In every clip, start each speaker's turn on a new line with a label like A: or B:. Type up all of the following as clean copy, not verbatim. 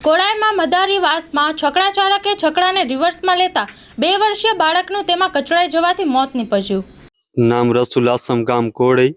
A: કોડાઈમાં મદારીવાસમાં છકડા ચાલકે છકડાને રિવર્સમાં લેતા 2 વર્ષીય બાળકનું તેમાં કચડાઈ જવાથી મોત નીપજ્યું।
B: નામ રસુલ આસમ ગામ કોડાઈ।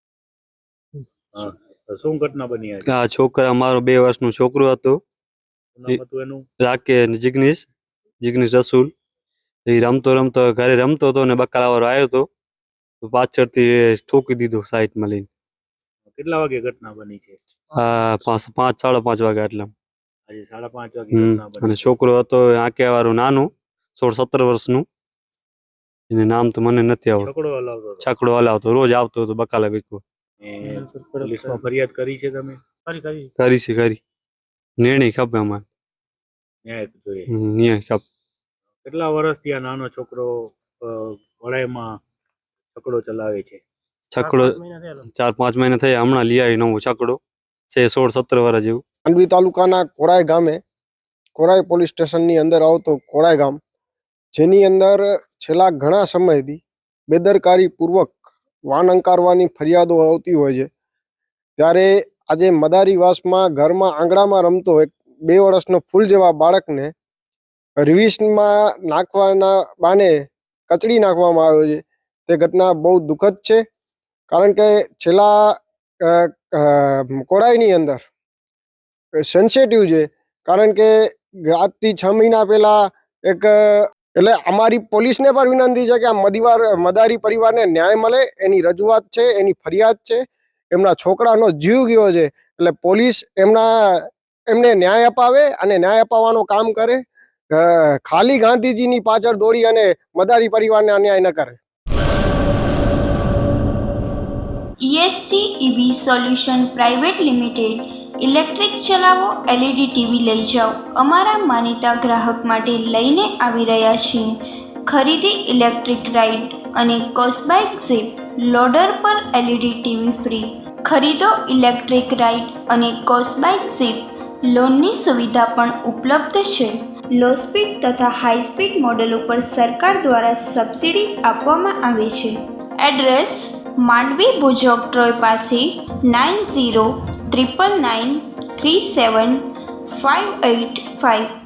C: શું ઘટના બની આજે?
B: આ છોકરા મારો 2 વર્ષનું છોકરું હતું,
C: નામ હતું એનું?
B: રાકેશ જિગ્નેશ રસુલ। એ રમતો ઘરે રમતો હતો ને બકાલાવાળો આવ્યો હતો તો પાછળથી ઠોકી દીધો સાઈડમાં લઈને।
C: કેટલા વાગે ઘટના બની છે?
B: 5:30 વાગ્યા એટલે।
C: આજે 5:30 વાગે ઘટના બની।
B: અને છોકરો હતો આંકેવાળો નાનું 16-17 વર્ષનું, એને નામ તો મને નથી આવડતું। છકડો હલાવતો રોજ આવતો હતો બકાલા વેચવા।
C: પોલીસમાં ફરિયાદ કરી છે તમે?
B: કરી નિર્ણય ખપે અમારે,
C: ન્યાય જોઈએ।
B: ન્યાય ખપે।
C: કેટલા વર્ષથી આ નાનો છોકરો વડાઈમાં છકડો ચલાવે છે?
B: છકડો 4-5 મહિના થયા, હમણાં લઈ આવી નવો છકડો છે 16-17 વર્ષ જેવું।
D: માંડવી તાલુકાના કોડાઈ ગામે, કોડાઈ પોલીસ સ્ટેશનની અંદર આવતો કોડાઈ ગામ, જેની અંદર છેલ્લા ઘણા સમયથી બેદરકારીપૂર્વક વાન અંકારવાની ફરિયાદો આવતી હોય છે। ત્યારે આજે મદારીવાસમાં ઘરમાં આંગણામાં રમતો એક 2 વર્ષનો ફૂલ જેવા બાળકને રિવિશનમાં નાખવાના બાને કચડી નાખવામાં આવ્યો છે। તે ઘટના બહુ દુઃખદ છે, કારણ કે છેલ્લા કોડાઈની અંદર સેન્સિટિવ છે, કારણ કે આજથી 6 મહિના પહેલાં એટલે અમારી પોલીસને પણ વિનંતી છે કે આ મદારી પરિવારને ન્યાય મળે એની રજૂઆત છે, એની ફરિયાદ છે। એમના છોકરાનો જીવ ગયો છે, એટલે પોલીસ એમને ન્યાય અપાવે અને ન્યાય અપાવવાનું કામ કરે। ખાલી ગાંધીજીની પાછળ દોડી અને મદારી પરિવારને અન્યાય ન કરે।
E: ESG EV solution private limited. Electric ચલાવો, LED ટીવી લઈ જાઓ। અમારા માનીતા ગ્રાહક માટે લઈને આવી રહ્યા છીએ ખરીદી ઇલેક્ટ્રિક રાઇડ અને કોસ્બાઇક ઝીપ લોડર પર LED ટીવી ફ્રી। ખરીદો ઇલેક્ટ્રિક રાઇડ અને કોસ્બાઇક ઝીપ, લોનની સુવિધા પણ ઉપલબ્ધ છે। લો સ્પીડ તથા હાઈ સ્પીડ મોડલ ઉપર સરકાર દ્વારા સબસિડી આપવામાં આવે છે। એડ્રેસ માંડવી ભુજોક-ટ્રોય પાસે 9099937585।